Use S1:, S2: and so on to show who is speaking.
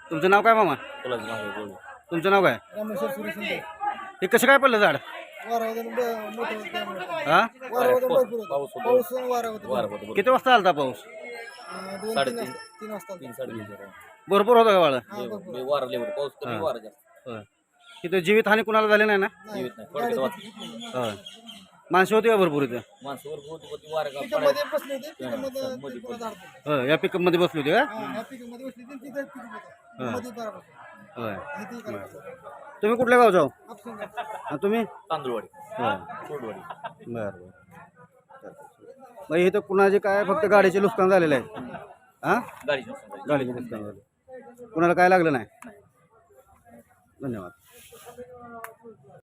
S1: तुमचं नाव काय मामा? तुमचं नाव काय?
S2: रामेश्वर सुरेश शिंदे.
S1: हे कसं काय पडलं झाड?
S2: वारावरून मोठं होतं त्यामुळे.
S1: हा
S2: वारावरून भरपूर होतं. पाऊस आणि वारा होतं.
S1: किती वाजता आलता पाऊस?
S2: 2-3 वाजता.
S1: भरपूर होता का वाळ?
S2: हा, भरपूर.
S1: होय. तिथं जीवित हानी कुणाला झाली नाही ना?
S2: नाही. गाडी बसली.
S1: होय. माणसं होती का भरपूर इथं?
S2: पिकअपमध्ये बसले होते. पिकअपमध्ये ते पुन्हा झाड पडलं.
S1: होय. या पिकअप मध्ये बसली होती का?
S2: हा, ह्या पिकअपमध्ये बसली होती आणि तिथं पिकअप होतं. मध्ये बारा बसले.
S1: होय.
S2: इथे इकडे बसले.
S1: तुम्ही कुठल्या गावचा हो?
S2: आपसून
S1: हा तुम्ही?
S3: तांदूळवाडी
S1: होय.
S3: कोडवाडी.
S1: बरं बरं. मग इथं कुणाचे काय फक्त गाडीचे नुकसान झालेलं आहे? हा गाडीचे नुकसान झाले. कुणाला काय लागलं नाही? धन्यवाद.